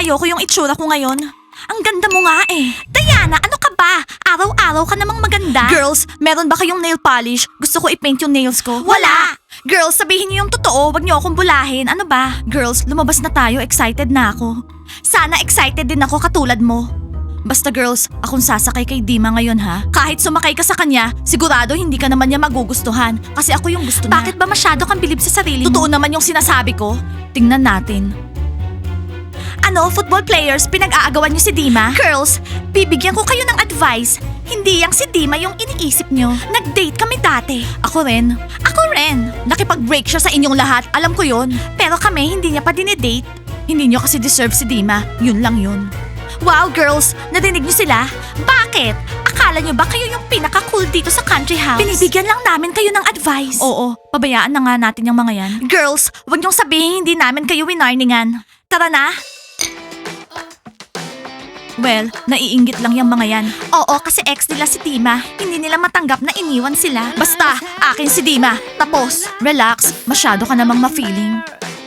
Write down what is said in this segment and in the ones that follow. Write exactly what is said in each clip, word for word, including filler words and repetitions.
ayoko yung itsura ko ngayon. Ang ganda mo nga eh. Diana, ano ka ba? Araw-araw ka namang maganda. Girls, meron ba kayong nail polish? Gusto ko i-paint yung nails ko. Wala! Girls, sabihin niyo yung totoo. Wag niyo akong bulahin. Ano ba? Girls, lumabas na tayo. Excited na ako. Sana excited din ako katulad mo. Basta girls, akong sasakay kay Dima ngayon ha. Kahit sumakay ka sa kanya, sigurado hindi ka naman niya magugustuhan. Kasi ako yung gusto niya. Bakit ba masyado kang bilib sa sarili mo? Totoo naman yung sinasabi ko. Tingnan natin. Ano, football players, pinag-aagawan niyo si Dima? Girls, bibigyan ko kayo ng advice. Hindi yang si Dima yung iniisip niyo. Nag-date kami dati. Ako rin. Ako rin. Nakipag-break siya sa inyong lahat, alam ko yon. Pero kami, hindi niya pa dinidate. Hindi niyo kasi deserve si Dima. Yun lang yun. Wow, girls, narinig niyo sila? Bakit? Akala niyo ba kayo yung pinaka-cool dito sa country house? Binibigyan lang namin kayo ng advice. Oo, pabayaan na nga natin yung mga yan. Girls, wag niyong sabihin hindi namin kayo winarningan. Tara na. Well, naiinggit lang yung mga yan. Oo, kasi ex nila si Dima. Hindi nila matanggap na iniwan sila. Basta, akin si Dima. Tapos, relax. Masyado ka namang ma-feeling.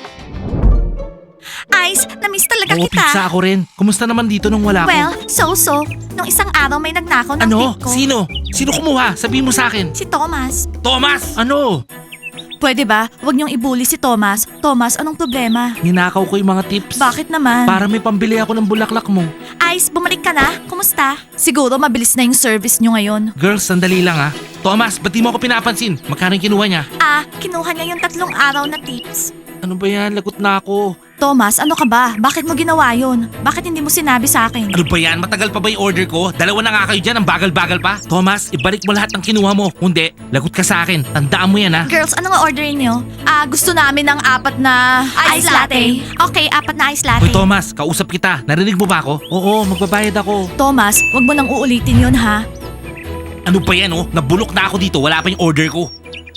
Ice, na-miss talaga Oo, kita. pizza ako rin. Kumusta naman dito nung wala Well, ko? so-so. Nung isang araw may nagnakaw ng Ano? tip ko. Sino? Sino kumuha? Sabihin mo sa akin. Si Thomas. Thomas! Ano? Pwede ba? Huwag niyong ibuli si Thomas. Thomas, anong problema? Ninakaw ko yung mga tips. Bakit naman? Para may pambili ako ng bulaklak mo. Ice, bumalik ka na? Kumusta? Siguro mabilis na yung service niyo ngayon. Girls, sandali lang ha. Thomas, ba't di mo ako pinapansin? Magkano yung kinuha niya? Ah, kinuha niya yung tatlong araw na tips. Ano ba yan? Lagot na ako. Thomas, ano ka ba? Bakit mo ginawa yun? Bakit hindi mo sinabi sa akin? Ano ba yan? Matagal pa ba yung order ko? Dalawa na nga kayo dyan, ang bagal-bagal pa. Thomas, ibalik mo lahat ng kinuha mo. Hindi, lagot ka sa akin. Tandaan mo yan ha. Girls, ano nga orderin niyo? Ah, gusto namin ng apat na ice, latte. Okay, apat na ice latte. Hoy Thomas, kausap kita. Narinig mo ba ako? Oo, magbabayad ako. Thomas, wag mo nang uulitin yun ha. Ano pa yan oh? Nabulok na ako dito, wala pa yung order ko.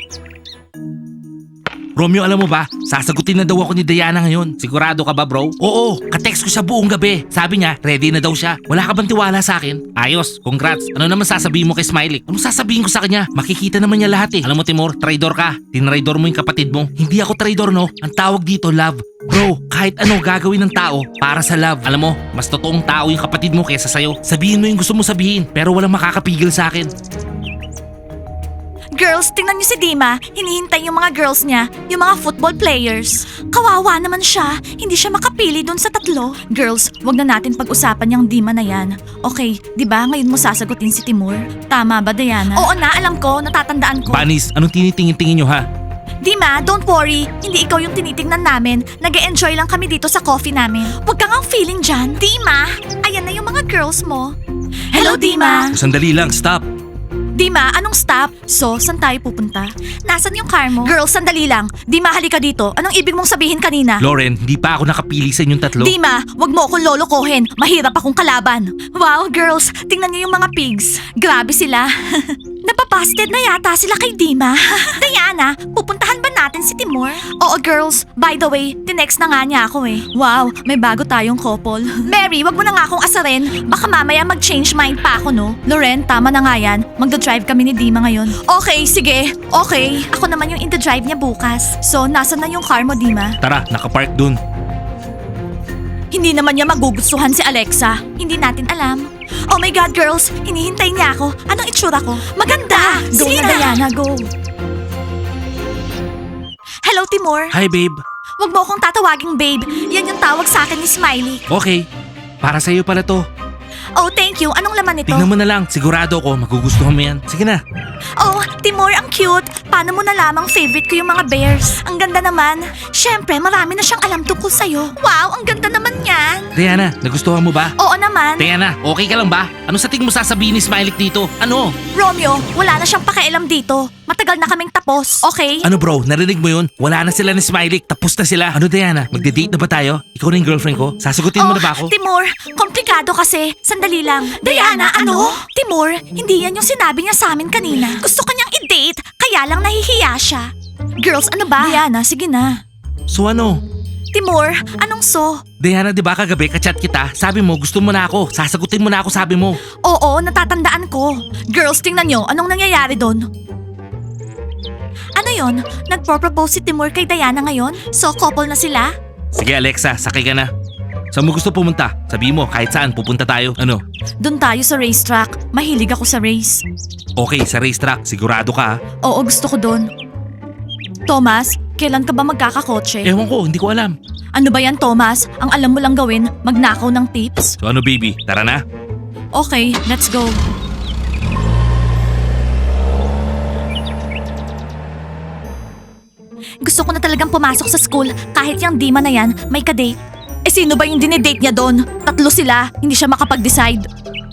Romeo, alam mo ba? Sasagutin na daw ako ni Diana ngayon. Sigurado ka ba, bro? Oo, katext ko siya buong gabi. Sabi niya, ready na daw siya. Wala ka bang tiwala sa akin? Ayos, congrats. Ano naman sasabihin mo kay Smiley? Ano sasabihin ko sa kanya? Makikita naman niya lahat eh. Alam mo, Timur, traidor ka. Tinraidor mo yung kapatid mo. Hindi ako traidor, no? Ang tawag dito, love. Bro, kahit ano gagawin ng tao para sa love. Alam mo, mas totoong tao yung kapatid mo kaysa sa'yo. Sabihin mo yung gusto mo sabihin, pero walang makakapigil sa akin. Girls, tingnan niyo si Dima. Hinihintay yung mga girls niya, yung mga football players. Kawawa naman siya. Hindi siya makapili dun sa tatlo. Girls, wag na natin pag-usapan yung Dima na yan. Okay, di ba ngayon mo sasagutin si Timur? Tama ba, Diana? Oo na, alam ko. Natatandaan ko. Banis, anong tinitingin-tingin nyo ha? Dima, don't worry. Hindi ikaw yung tinitingnan namin. Nag-e-enjoy lang kami dito sa coffee namin. Huwag kang ang feeling dyan. Dima, ayan na yung mga girls mo. Hello, Dima. Sandali lang, stop. Dima, anong stop? So, saan tayo pupunta? Nasaan yung car mo? Girls, sandali lang. Dima, halika dito. Anong ibig mong sabihin kanina? Lauren, hindi pa ako nakapili sa inyong tatlo. Dima, wag mo akong lolokohin. Mahirap akong kalaban. Wow, girls, tingnan niyo yung mga pigs. Grabe sila. Napapasted na yata sila kay Dima. Diana, pupuntahan ba natin si Timur? Oo, girls. By the way, tinext na nga niya ako eh. Wow, may bago tayong couple. Mary, wag mo na nga akong asarin. Baka mamaya mag-change mind pa ako, no? Loren, tama na nga yan. Magda-drive kami ni Dima ngayon. Okay, sige. Okay. Ako naman yung in-drive niya bukas. So, nasa na yung car mo, Dima? Tara, nakapark dun. Hindi naman niya magugustuhan si Alexa. Hindi natin alam. Oh my God, girls! Hinihintay niya ako. Anong itsura ko? Maganda! Go na, Diana, go! Hello, Timur. Hi, babe. Huwag mo akong tatawaging babe. Yan yung tawag sa akin ni Smiley. Okay, para sa'yo pala to. Oh, thank you. Anong laman nito? Tignan mo na lang, sigurado ako magugustuhan mo yan. Sige na. Oh, Timur, ang cute. Paano mo nalamang favorite ko yung mga bears? Ang ganda naman. Siyempre, marami na siyang alam tungkol sa'yo. Wow, ang ganda naman yan. Diana, nagustuhan mo ba? Oo naman. Diana, okay ka lang ba? Ano sa tingin mo sasabihin ni Smiley dito? Ano? Romeo, wala na siyang pakialam dito. Matagal na kaming tapos, okay? Ano bro, narinig mo yun? Wala na sila ni Smiley, tapos na sila. Ano Diana, magde-date na ba tayo? Ikaw na yung girlfriend ko? Sasagutin mo na ba ako? Oh, Timur, komplikado kasi. Sandali lang. Diana, ano? Timur, hindi yan yung sinabi niya sa amin kanina. Gusto kanyang i-date, kaya lang nahihiya siya. Girls, ano ba? Diana, sige na. So ano? Timur, anong so? Diana, di ba kagabi kachat kita? Sabi mo, gusto mo na ako. Sasagutin mo na ako, sabi mo. Oo, natatandaan ko. Girls, tingnan nyo, anong nangyayari doon? Ano yon? Nagpro-propose si Timur kay Diana ngayon? So, couple na sila? Sige Alexa, sakay ka na. Saan mo gusto pumunta? Sabi mo, kahit saan, pupunta tayo. Ano? Doon tayo sa racetrack. Mahilig ako sa race. Okay, sa racetrack, sigurado ka ha? Oo, gusto ko doon. Thomas, kailan ka ba magkakakotse? Ewan ko, hindi ko alam. Ano ba yan, Thomas? Ang alam mo lang gawin, magnakaw ng tips? So ano baby, tara na? Okay, let's go. Gusto ko na talagang pumasok sa school kahit yung Dima na yan may kadate. Eh sino ba yung dinidate niya doon? Tatlo sila, hindi siya makapag-decide.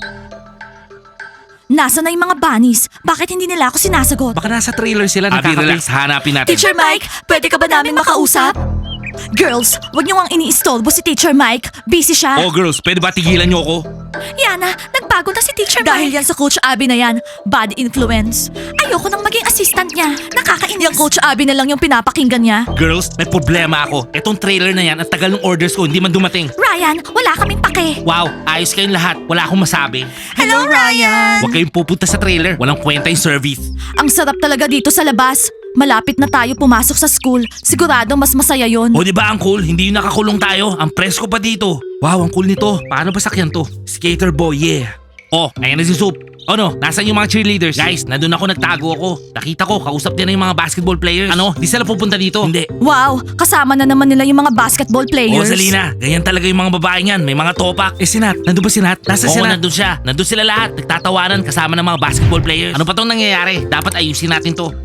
Nasa na yung mga bunnies? Bakit hindi nila ako sinasagot? Baka nasa trailer sila, Abi, nakakabili. relax, hanapin natin. Teacher Mike, pwede ka ba namin makausap? Girls, wag niyo ang iniistorbo si Teacher Mike. Busy siya. Oh girls, pwede ba tigilan niyo ako? Yana, nagbago na si Teacher Mike. Dahil yan sa Coach Abby na yan, bad influence. Ayoko nang maging assistant niya. Nakakainis. Yung Coach Abby na lang yung pinapakinggan niya. Girls, may problema ako. Etong trailer na yan, ang tagal ng orders ko, hindi man dumating. Ryan, wala kaming pake. Wow, ayos kayong lahat. Wala akong masabi. Hello, Ryan! Huwag kayong pupunta sa trailer. Walang kwenta yung service. Ang sarap talaga dito sa labas. Malapit na tayo pumasok sa school. Sigurado mas masaya yon. O di ba ang cool? Hindi yung nakakulong tayo. Ang presko pa dito. Wow, ang cool nito. Paano ba sakyan to? Skater boy, yeah. Oh, ayan na si Soup. Ano, nasan yung mga cheerleaders? Guys, nandun ako, nagtago ako. Nakita ko, kausap din na yung mga basketball players. Ano, di sila pupunta dito? Hindi. Wow, kasama na naman nila yung mga basketball Oh, players. Zalina, ganyan talaga yung mga babae niyan. May mga topak. Eh, Sinat, nandun ba Sinat? Nasa Oo, Sinat? nandun siya. Nandun sila lahat. Nagtatawanan kasama ng mga basketball players. Ano pa tong nangyayari? Dapat ayusin natin to.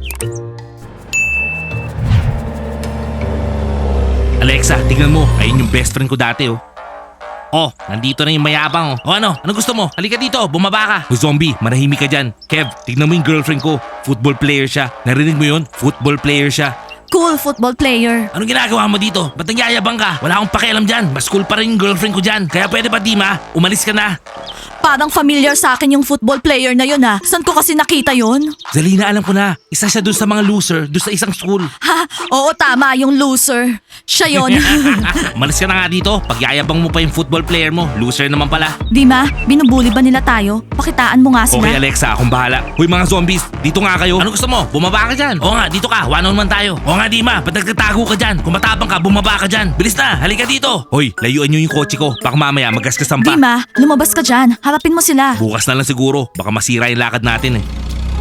Alexa, tingnan mo. Ayun yung best friend ko dati, oh. Oh, nandito na yung mayabang, oh. O ano? Ano gusto mo? Halika dito, bumaba ka. O zombie, manahimik ka dyan. Kev, tignan mo yung girlfriend ko. Football player siya. Narinig mo yun? Football player siya. Cool football player. Anong ginagawa mo dito? Ba't nagyayabang ka? Wala akong pakialam dyan. Mas cool pa rin yung girlfriend ko dyan. Kaya pwede ba, Dima? Umalis ka na. Parang familiar sa akin yung football player na yun ah. Saan ko kasi nakita yun? Zalina, alam ko na. Isa siya dun sa mga loser, dun sa isang school. Ha? Oo, tama, yung loser. Siya yun. Umalis ka na nga dito. Pagyayabang mo pa yung football player mo. Loser naman pala. Dima, binubuli ba nila tayo? Pakitaan mo nga sila. Okay, Alexa, akong bahala. Hoy mga zombies, dito nga kayo. Ano gusto mo? Bumaba ka dyan. Oo nga, dito ka. One on one tayo. Oo nga, Dima. Ba't nagtatago ka dyan? Kung matapang ka, bumaba ka dyan. Bilis na, halika dito. Hoy, layuan nyo yung kotse ko. Baka mamaya magasgasan pa. Dima, lumabas ka dyan. Harapin mo sila. Bukas na lang siguro. Baka masira yung lakad natin eh.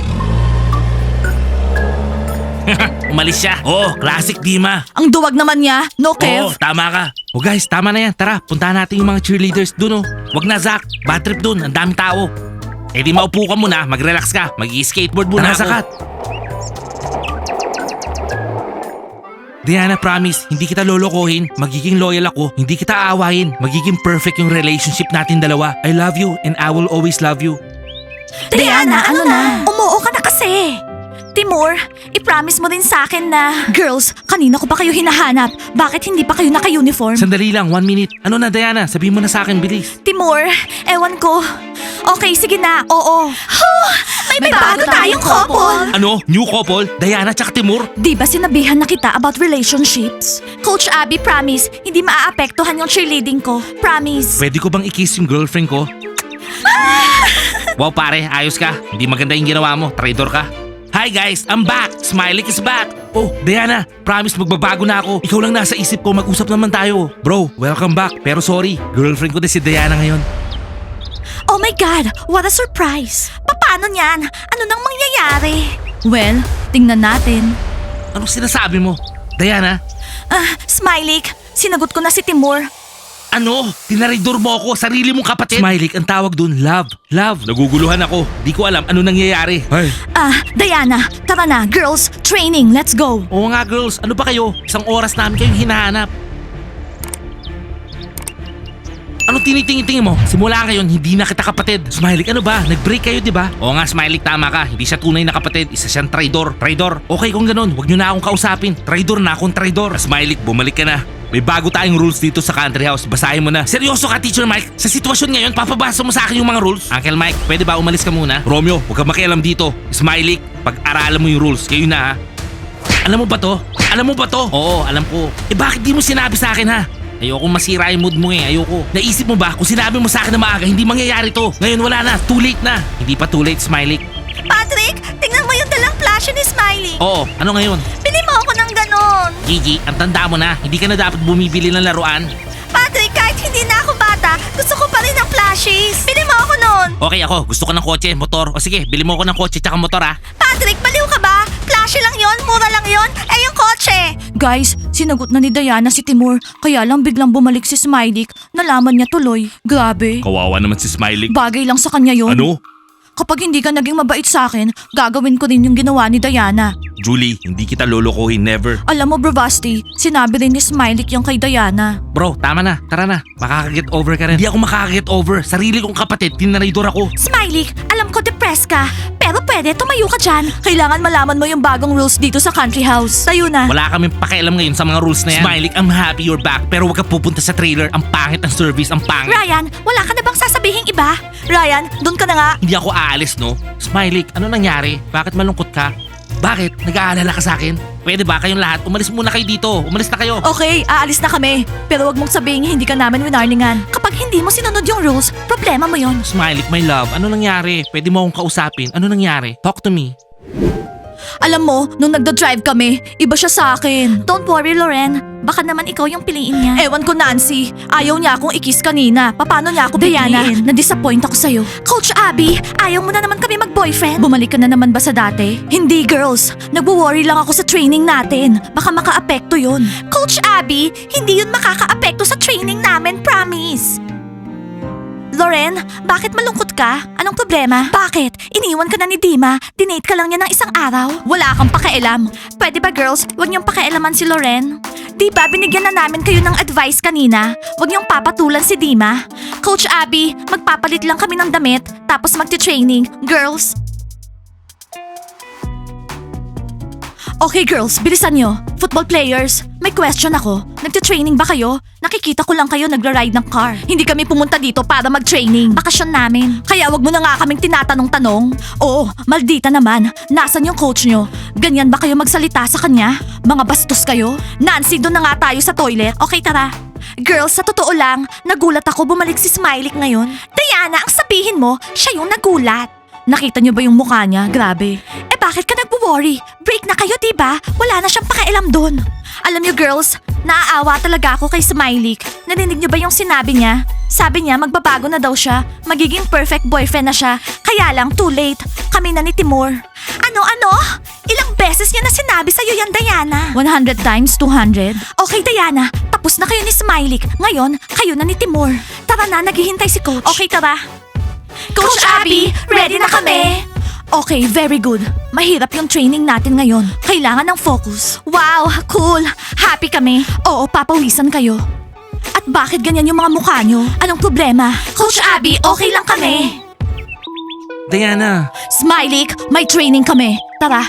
Umalis siya. Oo, classic Dima. Ang duwag naman niya. No, Oo, Kev. tama ka. O guys, tama na yan. Tara, puntahan natin yung mga cheerleaders dun oh. Wag na, Zach. Bad trip dun. Ang daming tao. Eh di maupo ka muna. Mag-relax ka. Mag-skateboard muna Tara, ako. sakat. Diana, promise, hindi kita lolokohin. Magiging loyal ako. Hindi kita aawahin. Magiging perfect yung relationship natin dalawa. I love you and I will always love you. Diana, ano na? Umuo ka na kasi. Timur, i-promise mo din sa akin na... Girls, kanina ko pa kayo hinahanap. Bakit hindi pa kayo naka-uniform? Sandali lang, one minute. Ano na, Diana? Sabihin mo na sa akin, bilis. Timur, ewan ko. Okay, sige na. Oo. may, bago, tayong couple. Ano? New couple? Diana tsaka Timur? Di ba sinabihan na kita about relationships? Coach Abby, promise, hindi maaapektuhan yung cheerleading ko. Promise. Pwede ko bang i-kiss yung girlfriend ko? Wow, pare, ayos ka. Hindi maganda yung ginawa mo. Traitor ka. Hi guys, I'm back. Smiley is back. Oh, Diana, promise magbabago na ako. Ikaw lang nasa isip ko, mag-usap naman tayo. Bro, welcome back. Pero sorry, girlfriend ko din si Diana ngayon. Oh my God, what a surprise. Paano niyan? Ano nang mangyayari? Well, tingnan natin. Anong sinasabi mo? Diana, Ah, Smiley, sinagot ko na si Timur. ano? Tinaridor mo ako, sarili mong kapatid? Smiley, ang tawag dun, love. Love. Naguguluhan ako. Di ko alam ano nangyayari. Ay. Ah, Diana, tara na. Girls, training, let's go. Oo nga girls, ano ba kayo? Isang oras namin kayong hinahanap. Anong tinitingin-tingin mo? Simula ngayon, hindi na kita kapatid. Smiley, ano ba? Nag-break kayo, di ba? Oo nga, Smiley, tama ka. Hindi siya tunay na kapatid. Isa siyang traidor. Traidor. Okay kung ganun, huwag niyo na akong kausapin. Traidor na akong traidor. Smiley, bumalik ka na. May bago tayong rules dito sa country house. Basahin mo na. Seryoso ka, Teacher Mike? Sa sitwasyon ngayon, papabasa mo sa akin yung mga rules? Uncle Mike, pwede ba umalis ka muna? Romeo, huwag kang makialam dito. Smiley, pag-aralan mo yung rules. Kayo na ha. Alam mo ba to? Alam mo ba to? Oo, alam ko. Eh bakit di mo sinabi sa akin ha? Ayoko masira yung mood mo eh, ayoko. Naisip mo ba kung sinabi mo sa akin na maaga, hindi mangyayari to. Ngayon wala na, too late na. Hindi pa too late, Smiley. Patrick, tingnan mo yung dalang flash ni Smiley. Oo, ano ngayon? Bili mo ako ng ganon. Gigi, ang tanda mo na, hindi ka na dapat bumibili ng laruan. Patrick, kahit hindi plushies! Bili mo ako nun! Okay ako, gusto ko ng kotse, motor. O sige, bili mo ako ng kotse tsaka motor ah. Patrick, baliw ka ba? Plushie lang yon, mura lang yon. Eh, yung kotse! Guys, sinagot na ni Diana si Timur. Kaya lang biglang bumalik si Smiley. Nalaman niya tuloy. Grabe. Kawawa naman si Smiley. Bagay lang sa kanya yon. Ano? Kapag hindi ka naging mabait sa akin, gagawin ko rin yung ginawa ni Diana. Julie, hindi kita lolokohin, never. Alam mo, Bravasti, sinabi rin ni Smiley yung kay Diana. Bro, tama na. Tara na. Makaka-get over ka rin. Hindi ako makaka-get over. Sarili kong kapatid, tinaraydor ako. Smiley, alam ko depressed ka. Pero pwede, tumayo ka dyan. Kailangan malaman mo yung bagong rules dito sa country house. Tayo na. Wala kaming pakialam ngayon sa mga rules na yan. Smiley, I'm happy you're back. Pero wag ka pupunta sa trailer. Ang pangit ng service, ang pangit. Ryan, wala ka na bang sasabihing iba? Ryan, doon ka na nga. Hindi ako aalis, no? Smiley, ano nangyari? Bakit malungkot ka? Bakit? Nag-aalala ka sa akin? Pwede ba kayong lahat? Umalis muna kayo dito. Umalis na kayo. Okay, aalis na kami. Pero wag mong sabihin hindi ka namin winarningan. Kapag hindi mo sinunod yung rules, problema mo yon. Smiley, my love, ano nangyari? Pwede mo akong kausapin. Ano nangyari? Talk to me. Alam mo, nung nagda-drive kami, iba siya sa akin. Don't worry, Loren. Baka naman ikaw yung piliin niya. Ewan ko, Nancy. Ayaw niya akong ikis kanina. Paano niya ako Diana, pipiliin? Na-disappoint ako sa'yo. Coach Abby, ayaw mo na naman kami mag-boyfriend? Bumalik ka na naman ba sa dati? Hindi, girls. Nagwo-worry lang ako sa training natin. Baka maka-apekto yun. Coach Abby, hindi yun makaka-apekto sa training namin, promise. Loren, bakit malungkot ka? Anong problema? Bakit? Iniwan ka na ni Dima? Dinate ka lang niya ng isang araw? Wala kang pakialam. Pwede ba girls, huwag niyong pakialaman si Loren? Di ba binigyan na namin kayo ng advice kanina? Huwag niyong papatulan si Dima. Coach Abby, magpapalit lang kami ng damit, tapos magti-training. Girls? Okay girls, bilisan nyo. Football players, may question ako. Nagte-training ba kayo? Nakikita ko lang kayo nagra-ride ng car. Hindi kami pumunta dito para mag-training. Bakasyon namin. Kaya wag mo na nga kaming tinatanong-tanong. Oo, maldita naman. Nasaan yung coach nyo? Ganyan ba kayo magsalita sa kanya? Mga bastos kayo? Nancy, doon na nga tayo sa toilet. Okay, tara. Girls, sa totoo lang, nagulat ako bumalik si Smiley ngayon. Diana, ang sabihin mo, siya yung nagulat. Nakita niyo ba yung mukha niya? Grabe. Eh bakit ka nagwo-worry? Break na kayo, diba? Wala na siyang pakialam doon. Alam niyo girls, naaawa talaga ako kay Smiley. Narinig niyo ba yung sinabi niya? Sabi niya magbabago na daw siya. Magiging perfect boyfriend na siya. Kaya lang too late. Kami na ni Timur. Ano-ano? Ilang beses niya na sinabi sa'yo yan, Diana? one hundred times two hundred. Okay, Diana. Tapos na kayo ni Smiley. Ngayon, kayo na ni Timur. Tara na, naghihintay si Coach. Okay, tara. Coach Abby, ready na kami! Okay, very good. Mahirap yung training natin ngayon. Kailangan ng focus. Wow, cool. Happy kami. Oo, papawisan kayo. At bakit ganyan yung mga mukha nyo? Anong problema? Coach Abby, okay lang kami. Diana, Smiley, may training kami. Tara.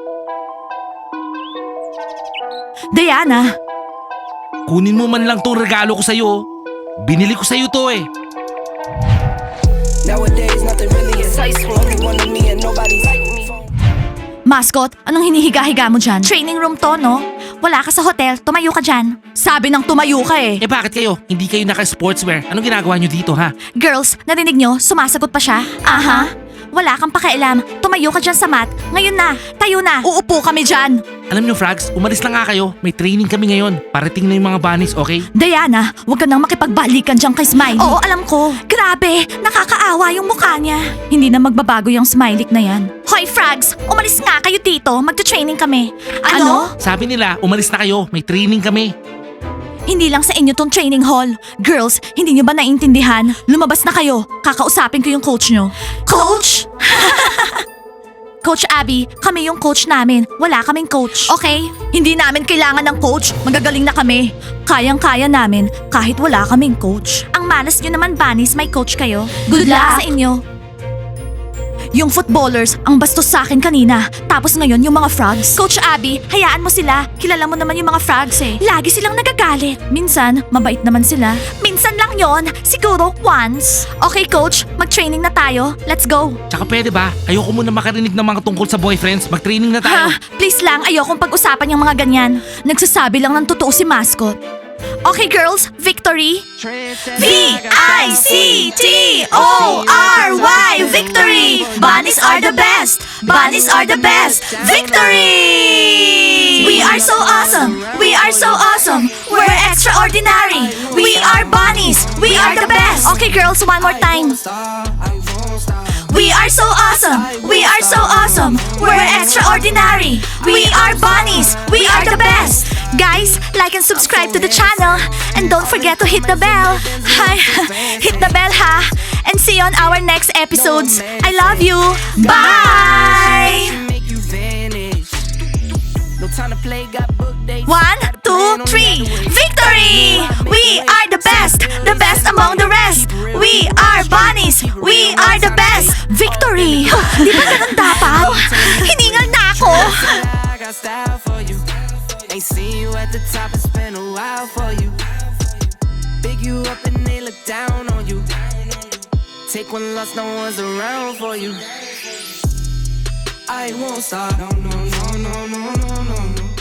Diana, kunin mo man lang tong regalo ko sa'yo. Binili ko sa'yo to eh. Nowadays, nothing really excites me. Only one of me and nobody's like me. mascot, anong hinihiga-higa mo dyan? Training room to, no? Wala ka sa hotel, tumayo ka dyan. Sabi ng tumayo ka eh. Eh bakit kayo? Hindi kayo naka-sportswear. Anong ginagawa nyo dito ha? Girls, narinig nyo? Sumasagot pa siya? Aha. Wala kang pakialam. Tumayo ka dyan sa mat. Ngayon na. Tayo na. Uupo kami dyan. Alam nyo Frogs, umalis lang nga kayo. May training kami ngayon. Parating na yung mga bunnies, okay? Diana, huwag ka nang makipagbalikan dyan kay Smiley. Oo, alam ko. Grabe, nakakaawa yung mukha niya. Hindi na magbabago yung Smiley na yan. Hoy, Frogs! Umalis nga kayo dito. Magta-training kami. Ano? Sabi nila, umalis na kayo. May training kami. Hindi lang sa inyo tong training hall. Girls, hindi nyo ba naiintindihan? Lumabas na kayo. Kakausapin ko yung coach nyo. Coach? Coach Abby, kami yung coach namin. Wala kaming coach. Okay? Hindi namin kailangan ng coach. Magagaling na kami. Kayang-kaya namin kahit wala kaming coach. Ang malas nyo naman, Bunnies, may coach kayo. Good, luck sa inyo. Yung footballers, ang bastos sa akin kanina. Tapos ngayon, yung mga frogs. Coach Abby, hayaan mo sila. Kilala mo naman yung mga frogs eh. Lagi silang nagagalit. Minsan, mabait naman sila. Minsan lang yon. Siguro once. Okay, coach. Mag-training na tayo. Let's go. Tsaka pwede ba? Ayoko muna makarinig ng mga tungkol sa boyfriends. Mag-training na tayo. Ha? Please lang, ayokong pag-usapan yung mga ganyan. Nagsasabi lang ng totoo si mascot. Okay, girls. Victory. V I C T O R Y Victory! Bunnies are the best! Bunnies are the best! Victory! We are so awesome. We are so awesome. We're extraordinary. We are bunnies. We are the best. Okay, girls, one more time. We are so awesome. We are so awesome. We're extraordinary. We are bunnies. We are the best. Guys, like and subscribe to the channel. And don't forget to hit the bell. Hi, hit the bell ha. And see you on our next episodes. I love you. Bye. Make you vanish. No time to play, got book dates. One, two, three. Victory! We are the best. The best among the rest. We are bunnies. We are the best. Victory! Di ba ganun dapat? Hiningal na ako. I got style for you. Ain't seen you at the top, it's been a while for you. Big you up and they look down on you. Take one loss, no one's around for you. I won't stop. No, no, no, no, no, no, no, no.